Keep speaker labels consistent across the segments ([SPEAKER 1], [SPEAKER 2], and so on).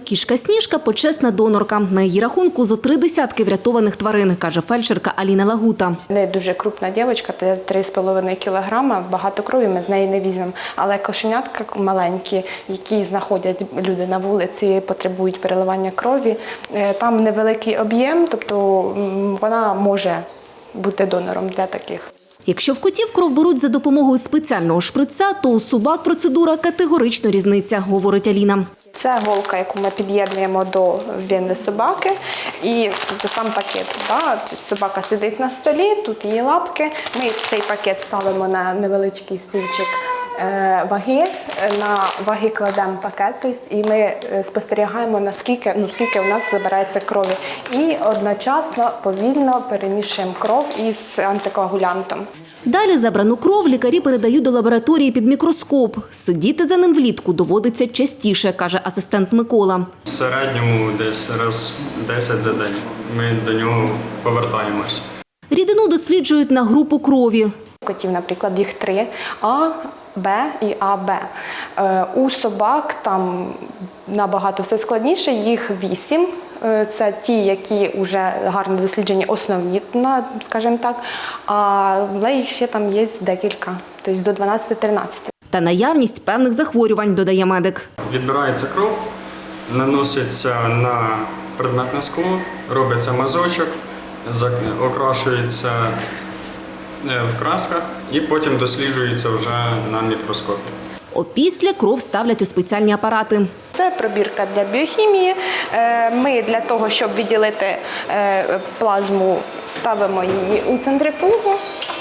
[SPEAKER 1] Кішка Сніжка – почесна донорка. На її рахунку зо 3 десятки врятованих тварин, каже фельдшерка Аліна Лагута.
[SPEAKER 2] Не дуже крупна дівчинка, 3,5 кілограма, багато крові ми з неї не візьмемо. Але кошенятка маленькі, які знаходять люди на вулиці, потребують переливання крові, там невеликий об'єм, тобто вона може бути донором для таких.
[SPEAKER 1] Якщо в котів кров беруть за допомогою спеціального шприця, то у собак процедура категорично різниця, говорить Аліна.
[SPEAKER 2] Це голка, яку ми під'єднуємо до вени собаки, і сам пакет. Собака сидить на столі, тут її лапки. Ми цей пакет ставимо на невеличкий стільчик ваги, на ваги кладемо пакет, і ми спостерігаємо, скільки у нас забирається крові. І одночасно повільно перемішуємо кров із антикоагулянтом.
[SPEAKER 1] Далі забрану кров лікарі передають до лабораторії під мікроскоп. Сидіти за ним влітку доводиться частіше, каже асистент Микола.
[SPEAKER 3] В середньому десь раз 10 за день ми до нього повертаємось.
[SPEAKER 1] Рідину досліджують на групу крові.
[SPEAKER 2] Котів, наприклад, їх 3 – А, Б і АБ. У собак там набагато все складніше, їх 8. Це ті, які вже гарно досліджені, основні, скажімо так, але їх ще там є декілька, тобто до 12-13.
[SPEAKER 1] Та наявність певних захворювань, додає медик.
[SPEAKER 3] Відбирається кров, наноситься на предметне скло, робиться мазочок, окрашується в красках і потім досліджується вже на мікроскопі.
[SPEAKER 1] Опісля кров ставлять у спеціальні апарати.
[SPEAKER 2] Це пробірка для біохімії. Ми для того, щоб відділити плазму, ставимо її у центрифугу,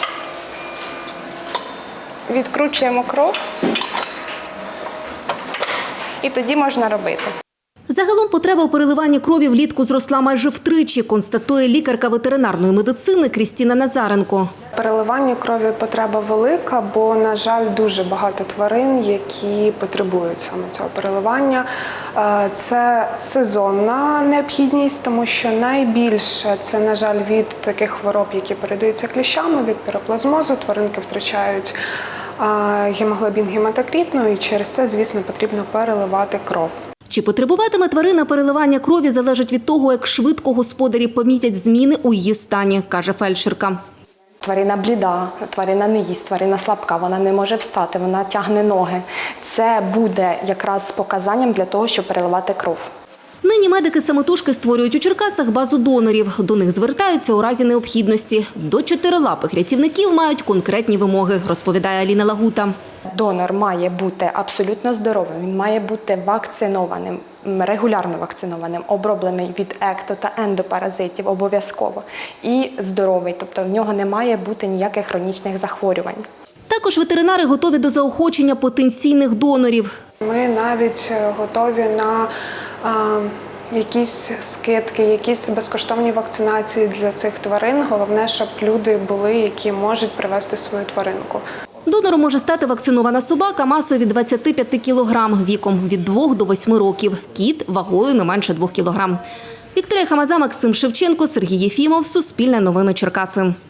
[SPEAKER 2] відкручуємо кров і тоді можна робити.
[SPEAKER 1] Загалом потреба у переливанні крові влітку зросла майже втричі, констатує лікарка ветеринарної медицини Крістіна Назаренко.
[SPEAKER 4] Переливанню крові потреба велика, бо, на жаль, дуже багато тварин, які потребують саме цього переливання. Це сезонна необхідність, тому що найбільше це, на жаль, від таких хвороб, які передаються кліщами, від піроплазмозу, тваринки втрачають гемоглобін, гематокрит, і через це, звісно, потрібно переливати кров.
[SPEAKER 1] Чи потребуватиме тварина переливання крові, залежить від того, як швидко господарі помітять зміни у її стані, каже фельдшерка.
[SPEAKER 2] Тварина бліда, тварина не їсть, тварина слабка, вона не може встати, вона тягне ноги. Це буде якраз показанням для того, щоб переливати кров.
[SPEAKER 1] Нині медики самотужки створюють у Черкасах базу донорів. До них звертаються у разі необхідності. До чотирилапих рятівників мають конкретні вимоги, розповідає Аліна Лагута.
[SPEAKER 2] Донор має бути абсолютно здоровим, він має бути вакцинованим, регулярно вакцинованим, оброблений від екто- та ендопаразитів обов'язково і здоровий, тобто в нього не має бути ніяких хронічних захворювань.
[SPEAKER 1] Також ветеринари готові до заохочення потенційних донорів.
[SPEAKER 4] Ми навіть готові на якісь скидки, якісь безкоштовні вакцинації для цих тварин. Головне, щоб люди були, які можуть привезти свою тваринку.
[SPEAKER 1] Донором може стати вакцинована собака масою від 25 кілограм, віком від 2 до 8 років. Кіт вагою не менше 2 кілограм. Вікторія Хамаза, Максим Шевченко, Сергій Єфімов, Суспільне новини Черкаси.